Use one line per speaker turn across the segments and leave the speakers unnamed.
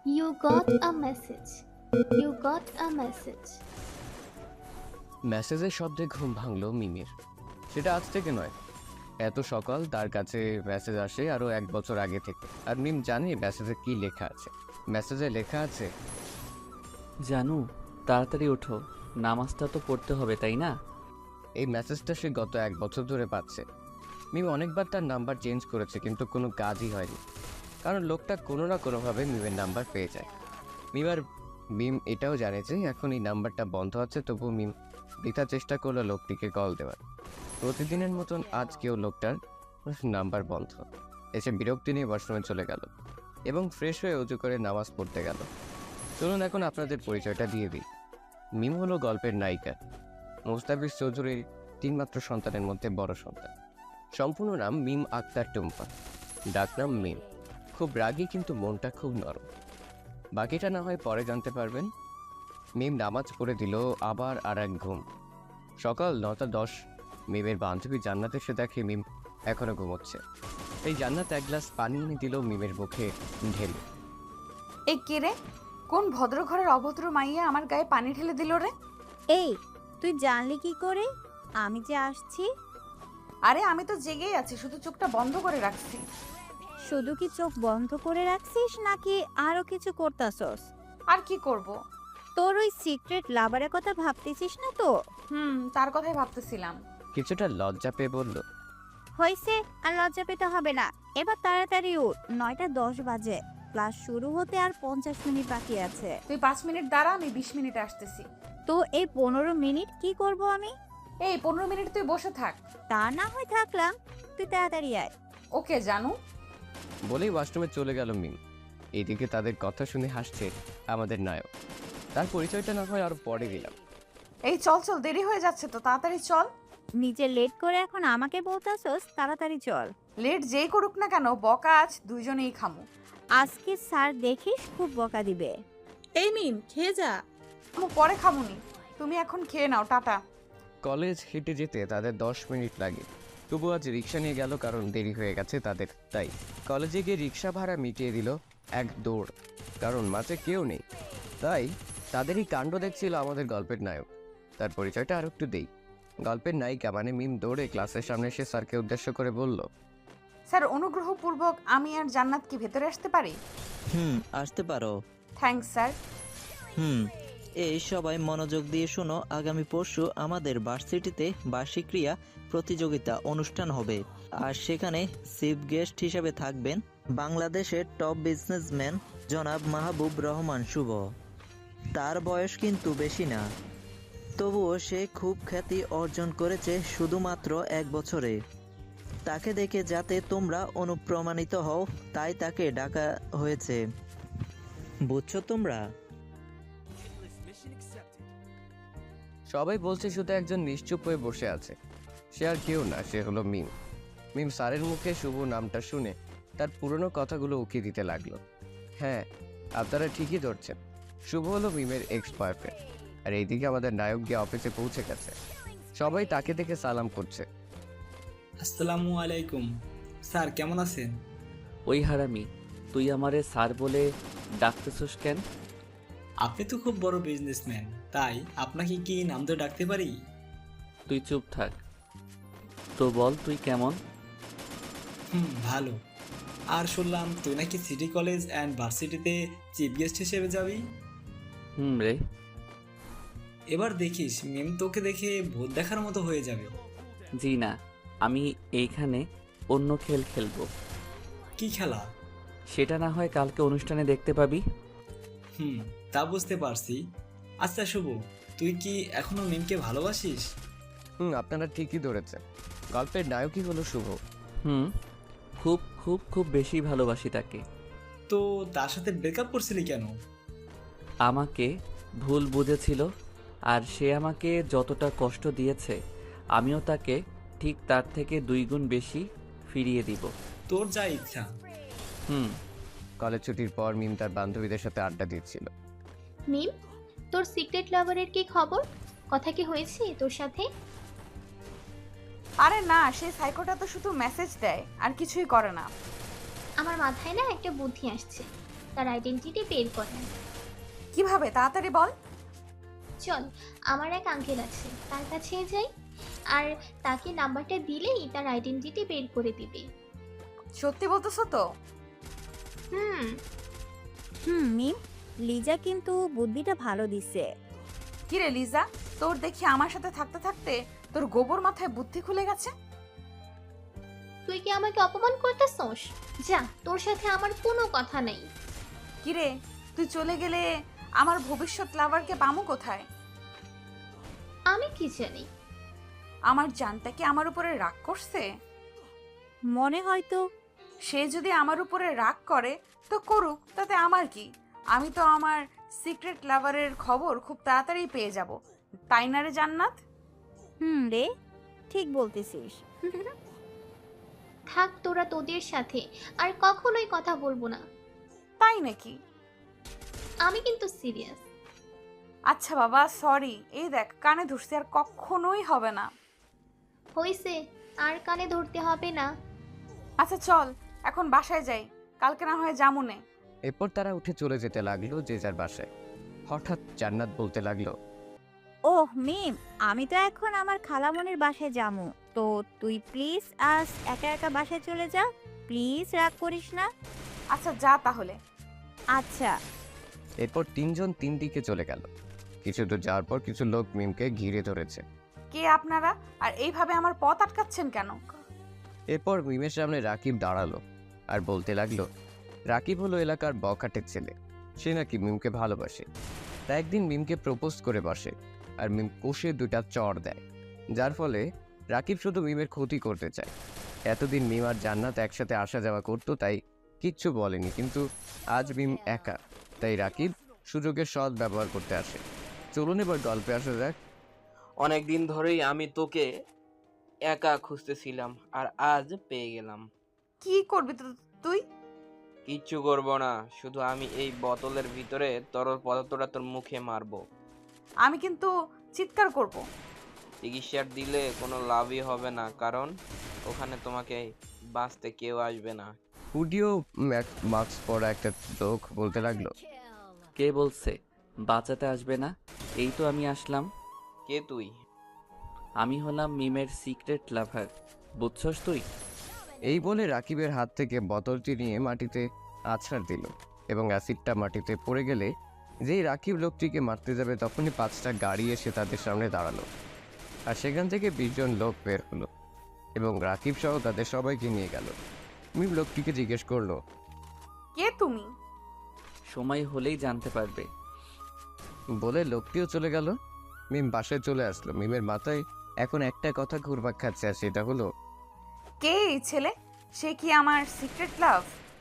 You got a message. You got a message.
মেসেজের শব্দে ঘুম ভাঙল মিমির। সেটা আজ থেকে নয়, এত সকাল তার কাছে মেসেজ আসে আরও 1 বছর আগে থেকে। আর মিম জানে মেসেজে কি লেখা আছে। মেসেজে লেখা আছে,
জানু, তাড়াতাড়ি ওঠো, নামাজটা তো পড়তে হবে, তাই না?
এই মেসেজটা সে গত 1 বছর ধরে পাচ্ছে। মিম অনেকবার তার নাম্বার চেঞ্জ করেছে, কিন্তু কোনো কাজই হয়নি, কারণ লোকটা কোনো না কোনোভাবে মিমের নাম্বার পেয়ে যায়। মিম এটাও জানে যে এখন এই নাম্বারটা বন্ধ আছে, তবু মিম বৃথা চেষ্টা করলো লোকটিকে কল দেওয়ার। প্রতিদিনের মতন আজকেও লোকটার নাম্বার বন্ধ। এসে বিরক্তি নিয়ে ওয়াশরুমে চলে গেল এবং ফ্রেশ হয়ে উজু করে নামাজ পড়তে গেল। চলুন এখন আপনাদের পরিচয়টা দিয়ে দিই। মিম হলো গল্পের নায়িকা, মুস্তাফিজ চৌধুরীর 3 মাত্র সন্তানের মধ্যে বড় সন্তান। সম্পূর্ণ নাম মিম আক্তার টুম্পা, ডাকনাম মিম। খুব রাগী, কিন্তু মনটা খুব নরম। বাকিটা না হয় পরে জানতে পারবেন। মিম নামাজ পড়ে দিল, আবার আর এক ঘুম। সকাল 9টা 10। মিমের বান্ধবী জান্নাত এসে দেখে মিম এখনো ঘুমোচ্ছে। এই জান্নাত এক গ্লাস পানি এনে দিল মিমের মুখে ঢেলে।
এই কে রে? কোন ভদ্র ঘরের অভদ্র মাইয়া আমার গায়ে পানি ঢেলে দিল রে?
এই, তুই জানলি কি করে আমি যে আসছি?
আরে আমি তো জেগেই আছি, শুধু চোখটা বন্ধ করে রাখছি।
শুধু কি চোখ বন্ধ করে রাখছিস নাকি আরো কিছু করতাছস?
আর কি করব?
তোর ওই সিক্রেট লাভারের কথা ভাবতেছিস না তো?
তার কথাই ভাবতেছিলাম।
কিছুটা লজ্জা পেয়ে বলল,
হয়েছে, আর লজ্জা পেতে হবে না। এবার তাড়াতাড়ি উঠ, 9টা 10 বাজে। ক্লাস শুরু হতে আর 50 মিনিট বাকি আছে।
তুই 5 মিনিট দাঁড়া, আমি 20 মিনিটে আসতেছি।
তো এই 15 মিনিট কি করব আমি?
এই 15 মিনিট তুই বসে থাক।
তা না হয় থাকলাম, তুই তাড়াতাড়ি আয়।
ওকে জানু।
বলেই ওয়াশরুমে চলে গেল মিম। এইদিকে তাদের কথা শুনে হাসছে আমাদের নায়ক। তার পরিচয়টা না হয় আরো পরে দিলাম।
এই চল চল, দেরি হয়ে যাচ্ছে তো, তাড়াতাড়ি চল।
নিজে লেট করে এখন আমাকে বলতাছস তাড়াতাড়ি চল।
লেট যেই করুক না কেন, বকা আজ দুইজনেই খামু।
আজকে স্যার দেখিস খুব বকা দিবে।
এই মিম, খেয়ে যা।
আমু পরে খামুনি, তুমি এখন খেয়ে নাও, টাটা।
কলেজ হেঁটে যেতে তাদের 10 মিনিট লাগে। তবু আজ রিক্সা নিয়ে গেল, কারণ দেরি হয়ে গেছে তাদের। তাই কলেজে গিয়ে রিক্সা ভাড়া মিটিয়ে দিল এক দৌড়, কারণ মাঝে কেউ নেই। তাই তাদেরই কাণ্ড দেখছিল আমাদের গল্পের নায়ক। তার পরিচয়টা আর একটু দেই। গল্পের নায়িকা মানে মিম দৌড়ে ক্লাসের সামনে এসে স্যারকে উদ্দেশ্য করে বলল,
স্যার, অনুগ্রহপূর্বক আমি আর জান্নাত কি ভেতরে আসতে পারি?
আসতে পারো।
Thanks sir.
হুম এই সবাই মনোযোগ দিয়ে শোনো, আগামী পরশু আমাদের ভার্সিটিতে বার্ষিক ক্রীড়া প্রতিযোগিতা অনুষ্ঠান হবে। আর সেখানে চিফ গেস্ট হিসেবে থাকবেন বাংলাদেশের টপ বিজনেসম্যান জনাব মাহবুব রহমান শুভ। তার বয়স কিন্তু বেশি না, তবুও সে খুব খ্যাতি অর্জন করেছে শুধুমাত্র 1 বছরে। তাকে দেখে যাতে তোমরা অনুপ্রাণিত হও, তাই তাকে ডাকা হয়েছে। বুঝছো তোমরা?
সবাই বলছে শুধু একজন নিশ্চুপ হয়ে বসে আছে। সে আর কেউ না, সে হলো মিম। মিম স্যারের মুখে শুভ নামটা শুনে তার পুরনো কথাগুলো উকি দিতে লাগলো। হ্যাঁ, আপনারা ঠিকই ধরছেন, শুভ হলো মিমের এক্স বয়ফ্রেন্ড। আর এইদিকে আমাদের নায়ক গিয়ে অফিসে পৌঁছে গেছে। সবাই তাকে দেখে সালাম করছে।
আসসালামু আলাইকুম স্যার, কেমন আছেন?
ওই হারামি, তুই আমারে স্যার বলে ডাকতেছস কেন?
আপনি তো খুব বড় বিজনেসম্যান, তাই আপনাকে কি নাম ধরে ডাকতে পারি?
তুই চুপ থাক। তো বল, তুই কেমন?
ভালো। আর শুনলাম তুই নাকি সিটি কলেজ অ্যান্ড ভার্সিটিতে চিফ গেস্ট হিসেবে যাবি।
রে,
এবার দেখিস মেম তোকে দেখে ভূত দেখার মতো হয়ে যাবে।
জি না, আমি এইখানে অন্য খেল খেলবো।
কি খেলা?
সেটা না হয় কালকে অনুষ্ঠানে দেখতে পাবি।
তা বুঝতে পারছি। আচ্ছা শুভ, তুই কি এখনো মিমকে ভালোবাসিস?
আপনারা ঠিকই ধরেছেন, গল্পের নায়কই হলো শুভ।
খুব খুব খুব বেশি ভালোবাসি তাকে।
তো তার সাথে ব্রেকআপ করছিলি কেন?
আমাকে ভুল বুঝেছিল, আর সে আমাকে যতটা কষ্ট দিয়েছে আমিও তাকে ঠিক তার থেকে 2 গুণ বেশি ফিরিয়ে দিব।
তোর যা ইচ্ছা।
কলেজ ছুটির পর মিম তার বান্ধবীদের সাথে আড্ডা দিচ্ছিল।
মিম, তোর সিক্রেট লাভারের কি খবর? কথা কি হয়েছে তোর সাথে?
আরে না, সেই সাইকোটা তো শুধু মেসেজ দেয় আর কিছুই করে না।
আমার মাথায় না একটা বুদ্ধি আসছে। তার আইডেন্টিটি বের করা।
কিভাবে তাড়াতাড়ি বল।
চল, আমার এক আঙ্কেল আছে, তার কাছে যাই, আর তাকে নাম্বারটা দিলেই তার আইডেন্টিটি বের করে দিবে।
সত্যি বলতেছো তো?
হুম।
মিম, লিজা কিন্তু বুদ্ধিটা ভালো দিছে।
কিরে লিজা, তোর দেখি আমার সাথে থাকতে থাকতে তোর গোবর মাথায় বুদ্ধি খুলে গেছে।
তুই কি আমাকে অপমান করতেছস? যা, তোর সাথে আমার কোনো কথা নেই।
কিরে, তুই চলে গেলে আমার ভবিষ্যৎ লাভারকে পামু কোথায়?
আমি কি জানি।
আমার জানটা কি আমার উপরে রাগ করছে?
মনে হয়তো।
সে যদি আমার উপরে রাগ করে তো করুক, তাতে আমার কি? আমি তো আমার সিক্রেট লাভারের খবর খুব তাড়াতাড়ি পেয়ে যাব, তাই না রে জান্নাত?
রে, ঠিক বলতেছিস।
থাক তোরা তোদের সাথে, আর কখনোই কথা বলবো না।
তাই নাকি?
আমি কিন্তু সিরিয়াস।
আচ্ছা বাবা, সরি। এই দেখ, কানে ধরছি, আর কখনোই হবে না।
হইছে, আর কানে ধরতে হবে না।
আচ্ছা চল, এখন বাসায় যাই, কালকে না হয় জামুনে।
এরপর তারা উঠে চলে যেতে লাগলো যে যার বাসায়। হঠাৎ জান্নাত বলতে লাগলো,
ওহ মিম, আমি তো এখন আমার খালামণির বাসায় যামু, তো তুই প্লিজ আজ একা একা বাসায় চলে যা, প্লিজ রাগ করিস না।
আচ্ছা যা তাহলে।
আচ্ছা।
এরপর তিনজন তিন দিকে চলে গেল। কিছু দূর যাওয়ার পর কিছু লোক মিমকে ঘিরে ধরেছে।
কে আপনারা, আর এইভাবে আমার পথ আটকাচ্ছেন কেন?
এরপর মিমের সামনে রাকিব দাঁড়ালো আর বলতে লাগলো, রাকিব হলো এলাকার বখাটের ছেলে। সে নাকি মিমকে ভালোবাসে, তাই একদিন মিমকে প্রপোজ করে বসে, আর মিম কষে দুটা চড় দেয়, যার ফলে রাকিব শুধু মিমের ক্ষতি করতে চায়। এতদিন মিম আর জান্নাত একসাথে আসা যাওয়া করতো, তাই কিচ্ছু বলেনি, কিন্তু আজ মিম একা, তাই রাকিব সুযোগের সৎ ব্যবহার করতে আসে। চলুন এবার গল্পে আসা যাক।
অনেক দিন ধরেই আমি তোকে একা খুঁজতেছিলাম, আর আজ পেয়ে গেলাম।
কি করবি তুই?
কিচ্ছু করবো না, শুধু আমি এই বোতলের ভিতরে তরল পদার্থটা তোর মুখে মারবো।
আমি কিন্তু চিৎকার করব।
চিকিৎসার দিলে কোনো লাভই হবে না, কারণ ওখানে তোমাকে বাঁচতে কেউ আসবে না।
হুডিও মাস্ক পরা একটা লোক বলতে লাগলো,
কে বলছে বাঁচাতে আসবে না? এই তো আমি আসলাম।
কে তুই?
আমি হলাম মিমের সিক্রেট লাভার, বুঝছস তুই?
এই বলে রাকিবের হাত থেকে বোতলটি নিয়ে মাটিতে আছাড় দিল, এবং অ্যাসিডটা মাটিতে পড়ে গেলে যেই রাকিব লোকটিকে মারতে যাবে তখনই 5টা গাড়ি এসে তাদের সামনে দাঁড়ালো, আর সেখান থেকে 20 জন লোক বের হলো এবং রাকিব সহ তাদের সবাইকে নিয়ে গেল। মিম লোকটিকে জিজ্ঞেস করলো,
কে তুমি?
সময় হলেই জানতে পারবে।
বলে লোকটিও চলে গেল। মিম বাসায় চলে আসলো। মিমের মাথায় এখন একটা কথা ঘুরপাক খাচ্ছে, আর সেটা হলো,
কে এই ছেলে? সে কি আমার সিক্রেট লাভ?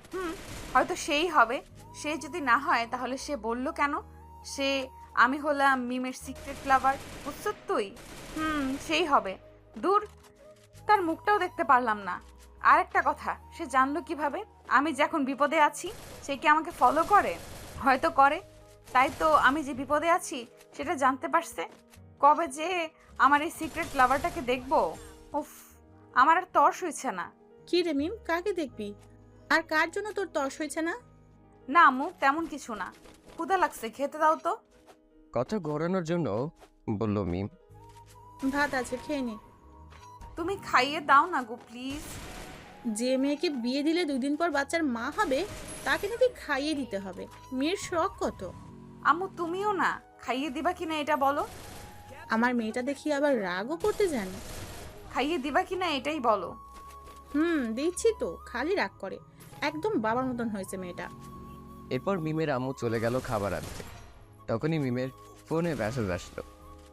হয়তো সেই হবে। সে যদি না হয় তাহলে সে বলল কেন সে আমি হলাম মিমের সিক্রেট লাভার? বুঝছ তুই? সেই হবে। দূর, তার মুখটাও দেখতে পারলাম না। আর একটা কথা, সে জানলো কিভাবে আমি যে এখন বিপদে আছি? সে কি আমাকে ফলো করে? হয়তো করে, তাই তো আমি যে বিপদে আছি সেটা জানতে পারছে। কবে যে আমার এই সিক্রেট লাভারটাকে দেখবো। উফ, আমার আর তর্স হইছে না।
কি রে মিম, কাকে দেখবি? আর কার জন্য তোর তর্স হয়েছে না?
না আম্মু, তেমন কিছু না। ক্ষুধা লাগছে, খেতে দাও তো।
কথা ঘোরানোর জন্য বলল মিম।
ভাত আছে, খেয়ে নে।
তুমি খাইয়ে দাও না গো প্লিজ।
যে মেয়েকে বিয়ে দিলে 2 দিন পর বাচ্চার মা হবে, তাকে নাকি খাইয়ে দিতে হবে? মেয়ের শখ কত।
আম্মু তুমিও না, খাইয়ে দিবা কিনা এটা বলো।
আমার মেয়েটা দেখি আবার রাগও করতে জানে।
খাইয়ে দিবা কিনা এটাই বলো।
দিচ্ছি তো, খালি রাগ করে। একদম বাবার মতন হয়েছে মেয়েটা।
এরপর মিমের আম্মু চলে গেল খাবার আনতে। তখনই মিমের ফোনে মেসেজ আসলো।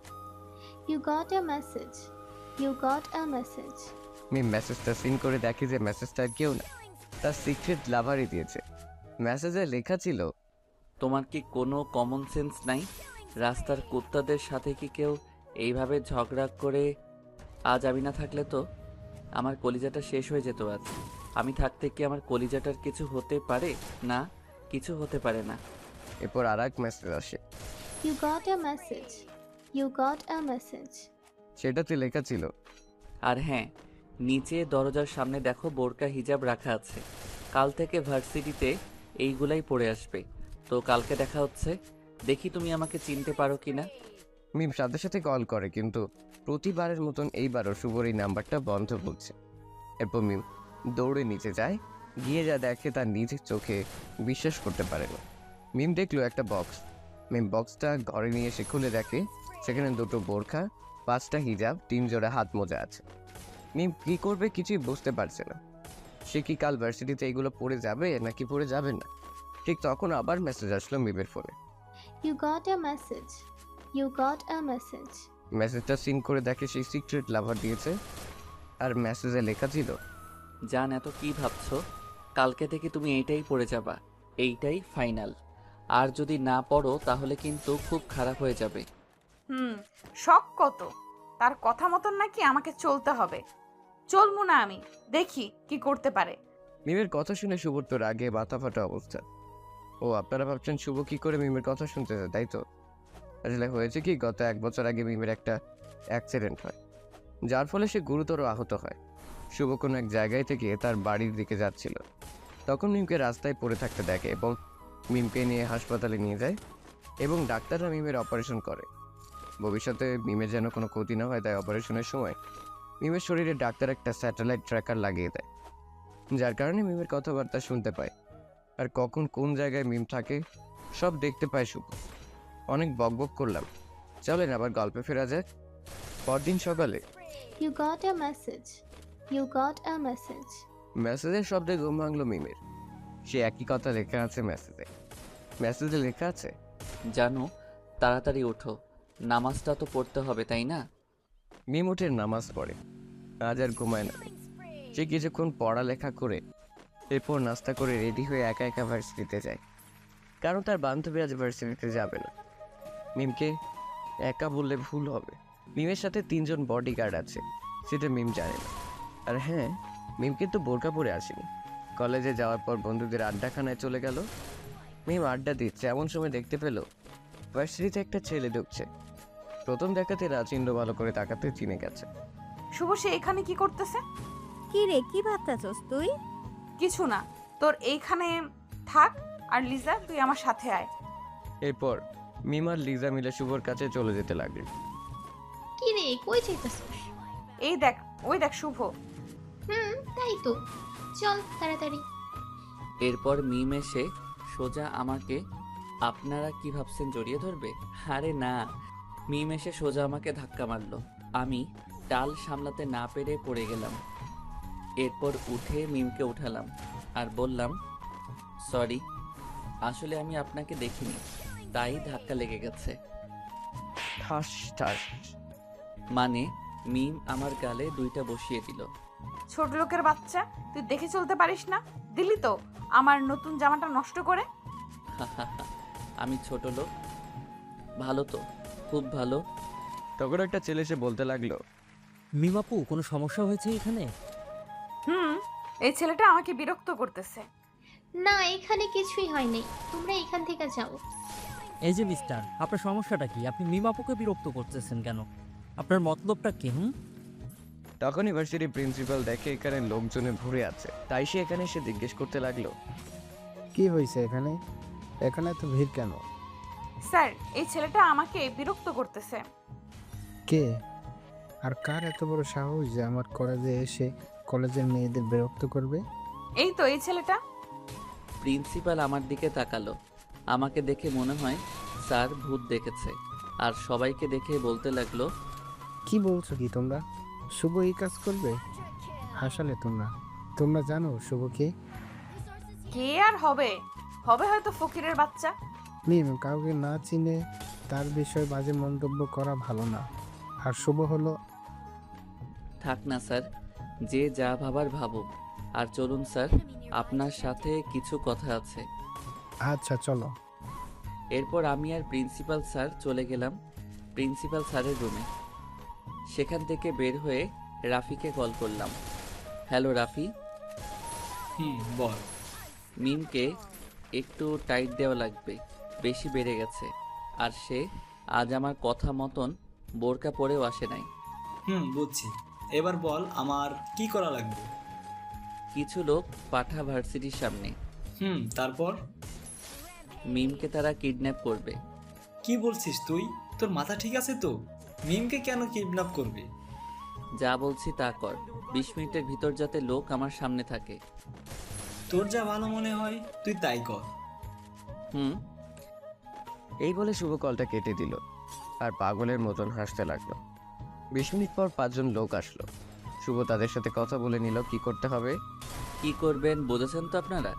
You got a message, you got a message.
Mim মেসেজটা সিন করে দেখে যে মেসেজটা কেউ না, তার সিক্রেট লাভারই দিয়েছে। মেসেজে লেখা ছিল,
তোমার কি কোনো কমন সেন্স নাই? রাস্তার কুত্তাদের সাথে কি কেউ এইভাবে ঝগড়া করে? আজ আমি না থাকলে তো আমার কলিজাটা শেষ হয়ে যেত আজ। আমি থাকতে কি আমার কলিজাটার কিছু হতে পারে? না, কিছু হতে পারে না।
এরপর আর এক মেসেজ আসে।
You got a message, you got a message.
সেটাতে লেখা ছিল,
আর হ্যাঁ, নিচে দরজার সামনে দেখো বোরকা হিজাব রাখা আছে। কাল থেকে ভার্সিটিতে এইগুলাই পড়ে আসবে। তো কালকে দেখা হচ্ছে, দেখি তুমি আমাকে চিনতে পারো কিনা।
মিম সাথে সাথে কল করে, কিন্তু প্রতিবারের মতন এইবারও শুভর এই নাম্বারটা বন্ধ বলছে। এরপর মিম দৌড়ে নিচে যায়, গিয়ে যা দেখে তার নিজের চোখে বিশ্বাস করতে পারে না। মিম দেখলো একটা বক্স। মিম বক্সটা ঘরে নিয়ে এসে খুলে দেখে সেখানে 2টো বোরখা, 5টা হিজাব, 3 জোড়া হাত মোজা আছে। মিম কী করবে কিছুই বুঝতে পারছে না। সে কি কাল ভার্সিটিতে এইগুলো পড়ে যাবে নাকি পড়ে যাবে না। ঠিক তখন আবার মেসেজ আসলো মিমের ফোনে।
You got a message, you got a message.
মেসেজটা সিন করে দেখে সেই সিক্রেট লাভার দিয়েছে, আর মেসেজে লেখা ছিল,
জান এত কি ভাবছো, কালকে থেকে তুমি এইটাই পড়ে যাবা, এইটাই ফাইনাল। আর যদি না পড়ো তাহলে কিন্তু খুব খারাপ হয়ে যাবে।
শখ কত, তার কথা মতন নাকি আমাকে চলতে হবে। চলবো না আমি, দেখি কি করতে পারে।
মিমের কথা শুনে শুভর তো রাগে মাথা ফাটা অবস্থা। ও আপনারা ভাবছেন শুভ কি করে মিমের কথা শুনতেছে, তাই তো? আসলে হয়েছে কি, গত 1 বছর আগে মিমের একটা অ্যাক্সিডেন্ট হয়, যার ফলে সে গুরুতর আহত হয়। শুভ কোনো এক জায়গায় থেকে তার বাড়ির দিকে যাচ্ছিল, তখন মিমকে রাস্তায় পড়ে থাকতে দেখে এবং মিমকে নিয়ে হাসপাতালে নিয়ে যায় এবং ডাক্তাররা মিমের অপারেশন করে। ভবিষ্যতে মিমের যেন কোনো ক্ষতি না হয় তাই অপারেশনের সময় মিমের শরীরে ডাক্তার একটা স্যাটেলাইট ট্র্যাকার লাগিয়ে দেয়, যার কারণে মিমের কথাবার্তা শুনতে পায় আর কখন কোন জায়গায় মিম থাকে সব দেখতে পায় শুভ। অনেক বকবক করলাম, চলেন আবার গল্পে ফেরা যাক। পরদিন সকালে
you got a message, you got a message.
মেসেজের শব্দে ঘুম ভাঙলো মিমের। সে একই কথা লেখা আছে মেসেজে লেখা আছে,
জানো তাড়াতাড়ি ওঠো, নামাজটা তো পড়তে হবে তাই না?
মিম উঠে নামাজ পড়ে, আজ আর ঘুমায় না। সে কিছুক্ষণ পড়ালেখা করে এরপর নাস্তা করে রেডি হয়ে একা একা ভার্সিটিতে যায়, কারণ তার বান্ধবী আজ ভার্সিটিতে যাবে না। মিমকে একা বললে ভুল হবে, মিমের সাথে 3 জন বডিগার্ড আছে, সেটা মিম জানে না। আর হ্যাঁ, মিম কিন্তু বোরকা পরে আসেনি। কলেজে যাওয়ার পর বন্ধুদের আড্ডাখানায় চলে গেল। মিম আড্ডা দিচ্ছে, এমন সময় দেখতে পেল ভার্সিটিতে একটা ছেলে ঢুকছে। প্রথম দেখাতে রাজিন্দ্র ভালো করে তাকাতে চিনে গেছে।
শুভ, সে এখানে কি করতেছে?
কি রে, কি ভাবতেছস তুই?
কিছু না, তোর এইখানে থাক। আর লিজা, তুই আমার সাথে আয়।
এরপর মিম আর লিজা মিলে শুভর কাছে চলে যেতে লাগলো।
কি রে, কই যাইতাছিস?
এই দেখ, ওই দেখ শুভ।
তাই তো, চল তাড়াতাড়ি।
এরপর মিম এসে সোজা আমাকে, আপনারা কি ভাবছেন জড়িয়ে ধরবে? আরে না, মিম এসে সোজা আমাকে ধাক্কা মারলো। আমি টাল সামলাতে না পেরে পড়ে গেলাম। এরপর উঠে মিমকে উঠালাম আর বললাম, সরি, আসলে আমি আপনাকে দেখিনি, তাই ধাক্কা লেগে গেছে।
ঠাস ঠাস।
মানে মিম আমার গালে 2টা বসিয়ে দিল।
ছোট লোকের বাচ্চা, তুই দেখে চলতে পারিস না? দিলি তো আমার নতুন জামাটা নষ্ট করে।
আমি ছোট লোক? ভালো তো, খুব ভালো।
তখন একটা ছেলে এসে বলতে লাগলো,
মিমাপু, কোনো সমস্যা হয়েছে এখানে?
এই ছেলেটা আমাকে বিরক্ত করতেছে।
না, এখানে কিছুই হয়নি, তোমরা এখান থেকে যাও।
এই যে মিস্টার, আপনার সমস্যাটা কি? আপনি মিমাপুকে বিরক্ত করতেছেন কেন? আপনার মতলবটা কি?
তখন ইউনিভার্সিটি প্রিন্সিপাল দেখে এখানে লোকজনে ভরে আছে, তাই সে এখানে এসে জিজ্ঞেস করতে লাগলো,
কি হয়েছে এখানে? এখানে তো ভিড় কেন?
স্যার, এই ছেলেটা আমাকে বিরক্ত করতেছে।
কে আর কার এত বড় সাহস যে আমার কলেজে এসে কলেজের মেয়েদের বিরক্ত করবে?
এই তো এই ছেলেটা।
প্রিন্সিপাল আমার দিকে তাকালো। আমাকে দেখে মনে হয় স্যার ভূত দেখেছে, আর সবাইকে দেখে বলতে লাগলো,
কি বলছো কি তোমরা? শুভ এই কাজ করবে? আসলে তোমরা জানো শুভ কে?
কে আর হবে? হবে হয়তো ফকিরের বাচ্চা।
মিম, কাউকে না চিনে তার বিষয়ে বাজে মন্তব্য করা ভালো না। আর শুভ হলো...
থাক না স্যার, যে যা ভাবার ভাবুক। আর চলুন স্যার, আপনার সাথে কিছু কথা আছে।
আচ্ছা চলো।
এরপর আমি আর প্রিন্সিপাল স্যার চলে গেলাম প্রিন্সিপাল স্যারের রুমে। সেখান থেকে বের হয়ে রাফিকে কল করলাম। হ্যালো রাফি।
বল।
মিমকে একটু টাইট দেওয়া লাগবে, বেশি বেড়ে গেছে। আর সে আজ আমার কথা মতন বোরকা পরেও আসে নাই।
বুঝছি, এবার বল আমার কি করা লাগবে?
কিছু লোক পাঠা ভার্সিটির সামনে।
তারপর?
মিমকে তারা কিডন্যাপ করবে।
কি বলছিস তুই? তোর মাথা ঠিক আছে তো? মিমকে কেন কিডন্যাপ করবে?
যা বলছি তা কর। 20 মিনিটের ভিতর যাতে লোক আমার সামনে থাকে।
তোর যা ভালো মনে হয় তুই তাই কর।
হুম।
এই বলে শুভ কলটা কেটে দিল আর পাগলের মতন হাসতে লাগলো। 20 মিনিট পর 5 জন লোক আসলো। শুভ তাদের সাথে কথা বলে নিল কি করতে হবে।
কি করবেন বুঝেছেন তো আপনারা?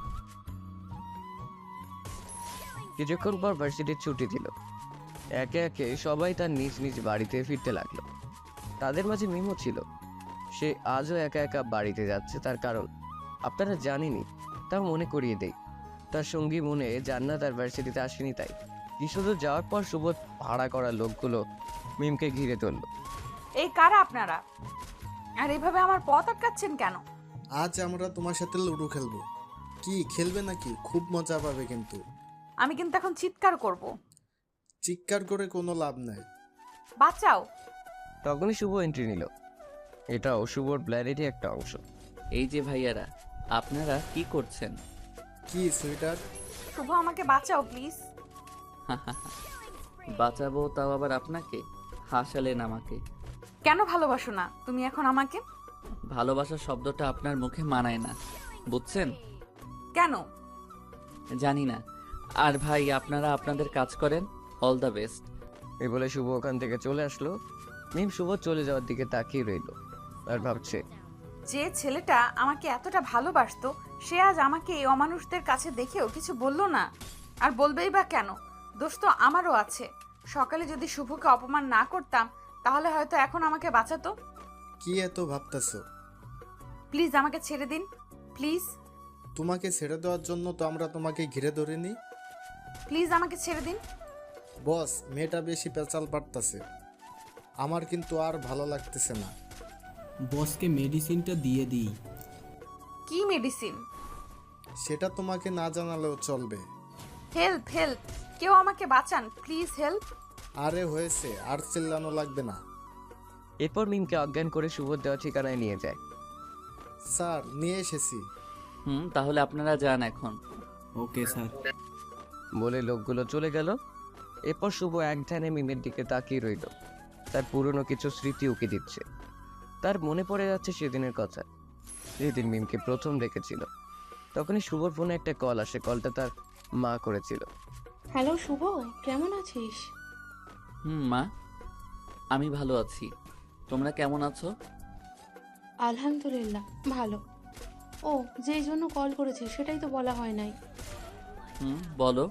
কিছুক্ষণ পর ভার্সিটির ছুটি দিল। একে একে সবাই তার নিজ নিজ বাড়িতে ফিরতে লাগলো। তাদের মাঝে মিমও ছিল। সে আজও একা একা বাড়িতে যাচ্ছে, তার কারণ আপনারা জানেনই। তাও মনে করিয়ে দেই, তার সঙ্গী মনে জান্নাত আর ভার্সিটিতে আসেনি, তাই কিছুদূর যাওয়ার পর শুভ ভাড়া করা লোকগুলো মিমকে ঘিরে তুলল।
এই কারা আপনারা? আর এইভাবে আমার পথ আটকাচ্ছেন কেন?
আজ আমরা তোমার সাথে লুডো খেলবো। কি খেলবে নাকি? খুব মজা পাবে কিন্তু।
আমি কিন্তু এখন চিৎকার করব।
চিৎকার করে কোনো লাভ নাই।
বাঁচাও।
তখনই শুভ এন্ট্রি নিল। এটাও শুভর প্ল্যানেরই একটা অংশ।
এই যে ভাইয়ারা, আপনারা কি করছেন?
কি সুইটার?
শুভ আমাকে বাঁচাও প্লিজ।
বাঁচাবো তাও আবার আপনাকে? হাসালেন আমাকে।
কেন ভালোবাসো না তুমি এখন আমাকে?
ভালোবাসা শব্দটা আপনার মুখে মানায় না, বুঝছেন?
কেন?
জানি না। আর ভাই, আপনারা আপনাদের কাজ করেন। All the best.
এই বলে শুভ ওখান থেকে চলে আসলো। মিম শুভ চলে যাওয়ার দিকে তাকিয়ে রইল আর ভাবছে,
যে ছেলেটা আমাকে এতটা ভালোবাসতো সে আজ আমাকে এই অমানুষদের কাছে দেখেও কিছু বললো না। আর বলবেই বা কেন? দোষ তো আমারও আছে। সকালে যদি শুভকে অপমান না করতাম তাহলে হয়তো এখন আমাকে বাঁচাতো।
কি এত ভাবতেছো?
প্লিজ আমাকে ছেড়ে দিন, প্লিজ।
তোমাকে ছেড়ে দেওয়ার জন্য তো আমরা তোমাকে ঘিরে ধরিনি।
প্লিজ আমাকে ছেড়ে দিন।
বস, মেয়েটা বেশি পেঁচাল পারতাছে। আমার কিন্তু আর ভালো লাগতেছে না।
বসকে মেডিসিনটা দিয়ে দিই।
কি মেডিসিন?
সেটা তোমাকে না জানালেও চলবে।
হেল্প হেল্প, কেউ আমাকে বাঁচান প্লিজ, হেল্প।
আরে হয়েছে, আর চিল্লানো লাগবে না।
এরপর মিমকে অজ্ঞান করে শুভর দেওয়া ঠিকানায় নিয়ে যায়।
স্যার, নিয়ে এসেছি।
তাহলে আপনারা যান এখন।
Okay sir.
বলে লোকগুলো চলে গেল। এরপর শুভ এক ধ্যানে মিমের দিকে তাকিয়ে রইল। তার পুরনো কিছু স্মৃতি উকি দিচ্ছে। তার মনে পড়ে যাচ্ছে সেদিনের কথা, যেদিন মিমকে প্রথম দেখেছিল। তখনই শুভর ফোনে একটা কল আসে। কলটা তার মা করেছিল।
হ্যালো শুভ, কেমন আছিস?
মা, আমি ভালো আছি। তোমরা কেমন আছো?
আলহামদুলিল্লাহ ভালো। ও, যেই জন্য কল করেছিস সেটাই তো বলা হয় নাই।
বলো।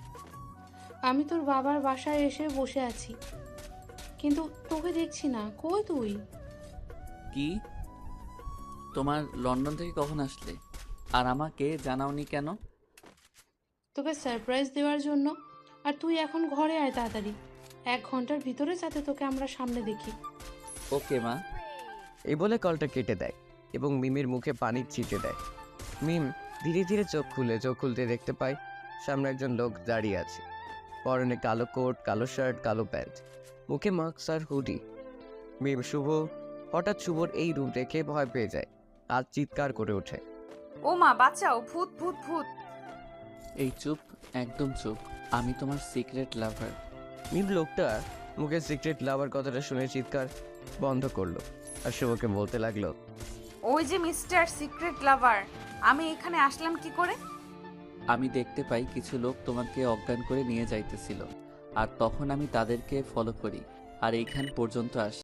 আমি তোর বাবার বাসায় এসে বসে আছি, কিন্তু তোকে দেখছি না। কই তুই?
কি? তোমার লন্ডন থেকে কখন আসলে? আর আমাকে জানাওনি কেন?
তোকে সারপ্রাইজ দেওয়ার জন্য। আর তুই এখন ঘরে আয় তাড়াতাড়ি, 1 ঘন্টার ভিতরে যাতে তোকে আমরা সামনে দেখি।
ওকে মা।
এই বলে কলটা কেটে দেয় এবং মিমের মুখে পানি ছিটে দেয়। মিম ধীরে ধীরে চোখ খুলতে দেখতে পায় সামনে একজন লোক দাঁড়িয়ে আছে। পরনে কালো কোট, কালো শার্ট, কালো প্যান্ট, মুখে মাস্ক আর হুডি। মিম হঠাৎ শুভর এই রূপ দেখে ভয় পেয়ে যায় আর চিৎকার করে ওঠে,
ও মা বাঁচাও, ভূত ভূত ভূত।
এই চুপ, একদম চুপ। আমি তোমার সিক্রেট লাভার।
মিম লোকটা মুখে সিক্রেট লাভার কথাটা শুনে চিৎকার বন্ধ করলো আর শুভকে বলতে লাগলো,
ওই যে মিস্টার সিক্রেট লাভার, আমি এখানে আসলাম কি করে?
আমি দেখতে পাই কিছু লোক তোমাকে অজ্ঞান করে নিয়ে যাইতেছিল, আর তখন আমি তাদেরকে ফলো করি আর এইখান পর্যন্ত আসি।